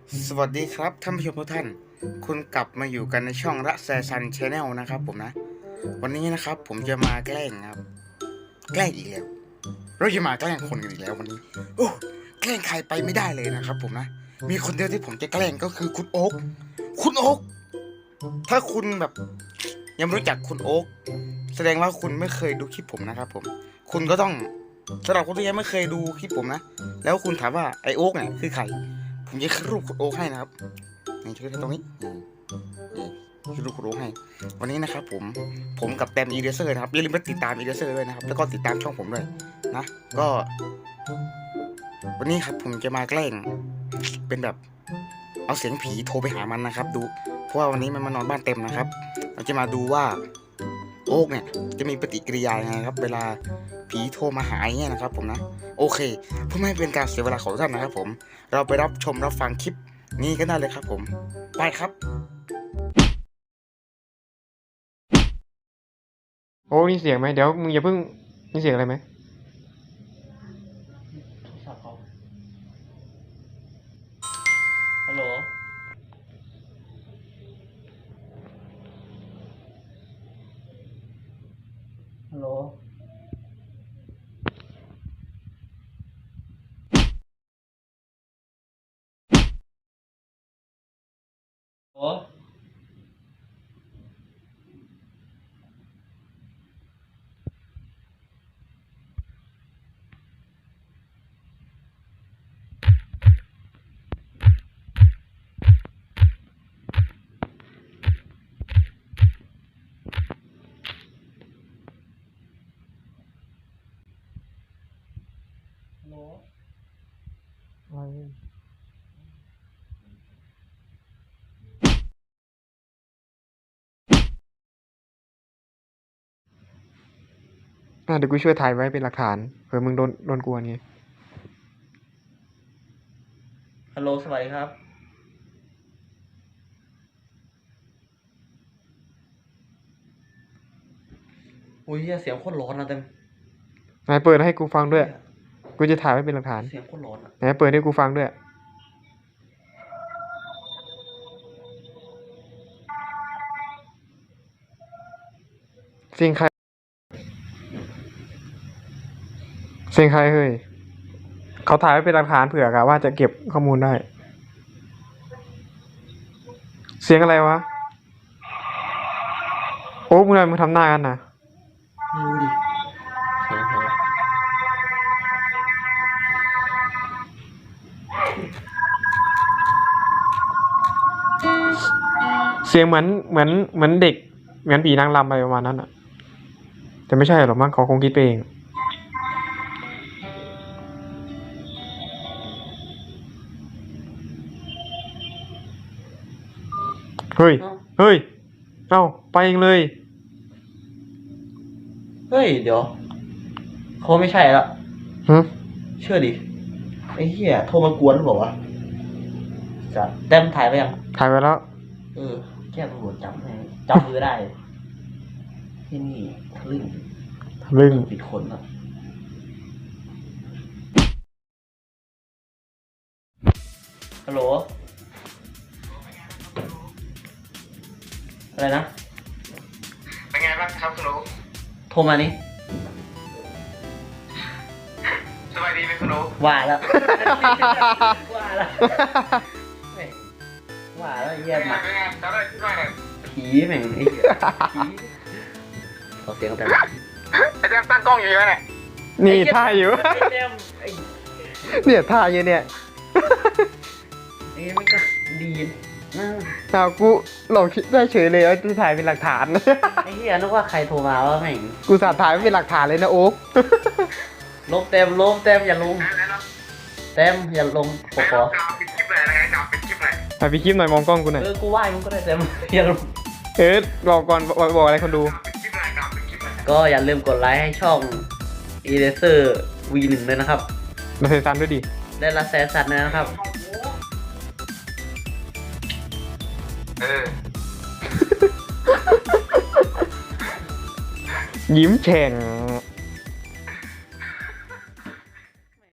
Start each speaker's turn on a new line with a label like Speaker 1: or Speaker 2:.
Speaker 1: สวัสดีครับท่านผู้ชมทุกท่านคุณกลับมาอยู่กันในช่องระแซซันชาแนลนะครับผมนะวันนี้นะครับผมจะมาแกล้งครับแกล้งอีกแล้วเราจะมาแกล้งคนกันอีกแล้ววันนี้โอ้แกล้งใครไปไม่ได้เลยนะครับผมนะมีคนเดียวที่ผมจะแกล้งก็คือคุณโอ๊คคุณโอ๊คถ้าคุณแบบยังไม่รู้จักคุณโอ๊คแสดงว่าคุณไม่เคยดูคลิปผมนะครับผมคุณก็ต้องสำหรับคนที่ยังไม่เคยดูคลิปผมนะแล้วคุณถามว่าไอโอ๊คเนี่ยคือใครผมจะขึ้นรูปคุณโอ๊คให้นะครับนี่ชื่อตรงนี้ชื่อรูปคุณโอ๊คให้วันนี้นะครับผมกับแตมอีเดเซอร์นะครับอย่าลืมไปติดตามอีเดเซอร์ด้วยนะครับแล้วก็ติดตามช่องผมด้วยนะก็วันนี้ครับผมจะมาแกล้งเป็นแบบเอาเสียงผีโทรไปหามันนะครับดูเพราะว่าวันนี้มันมานอนบ้านเต็มนะครับเราจะมาดูว่าโอ๊กเนี่ยจะมีปฏิกิริยายังไงครับเวลาผีโทรมาหาอย่างเงี้ยนะครับผมนะโอเคเพื่อไม่ให้เป็นการเสียเวลาของท่านนะครับผมเราไปรับชมรับฟังคลิปนี้กันได้เลยครับผมไปครับ
Speaker 2: โอ้มีเสียงไหมเดี๋ยวมึงอย่าเพิ่งมีเสียงอะไรไหม
Speaker 3: ฮัลโหลฮัลโหลโอ้ฮัลโหล
Speaker 2: อะไรเดี๋ยวกูช่วยถ่ายไว้เป็นหลักฐานเผื่อมึงโดนกวนไง
Speaker 3: ฮัลโหลสวัสดีครับอุ้ยเสียงโคตรร้อนนะเต็ม
Speaker 2: ไหนเปิดให้กูฟังด้วยกูจะถ่ายไว้เป็นหลักฐาน
Speaker 3: เสียงโคตรร้อนอ่ะ
Speaker 2: ไหนเปิดให้กูฟังด้วยเสียงใครเสียงใครเฮ้ยเขาถ่ายไว้เป็นหลักฐานเผื่อกะว่าจะเก็บข้อมูลได้เสียงอะไรวะโอ้มึงทำไมมึงทำหน้ากันนะ
Speaker 3: ไม่รู้ดิเสียงเหรอ
Speaker 2: เสียงเหมือนเด็กเหมือนผีนางรำอะไรประมาณนั้นอ่ะแต่ไม่ใช่หรอกมั้งเขาคงคิดไปเองเฮ้ย เฮ้ย เอ้า ไปเองเลย
Speaker 3: เฮ้ยเดี๋ยวเขาไม่ใช่ละ
Speaker 2: ฮะ
Speaker 3: เชื่อดิไอ้เหี้ยโทรมากวนหรือเปล่าวะจะแต้มถ่ายไปยัง
Speaker 2: ถ่ายไปแล้ว
Speaker 3: แค่ตำรวจจับให้จับมือได้ ที่นี่ทะลึ่ง
Speaker 2: ลึ่ง
Speaker 3: ปิดคนอ่ะฮัลโหลอะไรนะ
Speaker 1: เป็นไงบ้างครับคุณโอ๊ค
Speaker 3: โทรมานี่
Speaker 1: สบายดีไหมคุณโอ๊ค
Speaker 3: ว่าแล้ว ว่าแล้วแม่งว่าแล้วไอ้เหี้ยหมา
Speaker 1: เป็นไงตอนแรกคิดว่าไง
Speaker 3: ผีแม่งไอ้เหี้ยผีเอาเสียงแต่
Speaker 1: ไอ้แจมตั้งกล้องอยู่ใช่ไหมเนี่ย
Speaker 2: นี่ท่าอยู่
Speaker 3: ไอ้เหี้ยไอ้
Speaker 2: เนี่ยท่าอยู่เนี่ย
Speaker 3: ไอ้มันก็ดีนะ
Speaker 2: เอากูหลอกคิดได้เฉยเลยว่าจะถ่ายเป็นหลักฐาน
Speaker 3: ไอ้เหี้ยนึกว่าใครโทรมาวะแม่ง
Speaker 2: กูสาถ่ายไว้เป็นหลักฐานเลยนะโอ๊ค
Speaker 3: ลบเต็มลบเต็มอย่าลงเต็มอย่าลงขอ
Speaker 1: จะเอาปิดคลิปเลยนะจะเอาปิดคลิปเลย
Speaker 2: ถ่ายไปคลิปหน่อยมองกล้องกูหน่อย
Speaker 3: กูไหว้มึงก็ได้เต็มอย่าลง
Speaker 2: บอกก่อนบอกอะไรคนดู
Speaker 1: ปิดคลิปเลยจะเอาปิดคลิปเลย
Speaker 3: ก็อย่าลืมกดไลค์ให้ช่อง Eraser V1 ด้วยนะครับ
Speaker 2: มาเซซันด้วยดิ
Speaker 3: ได้ละแสนสัตว์นะครับ
Speaker 2: ยิ้มแฉ่ง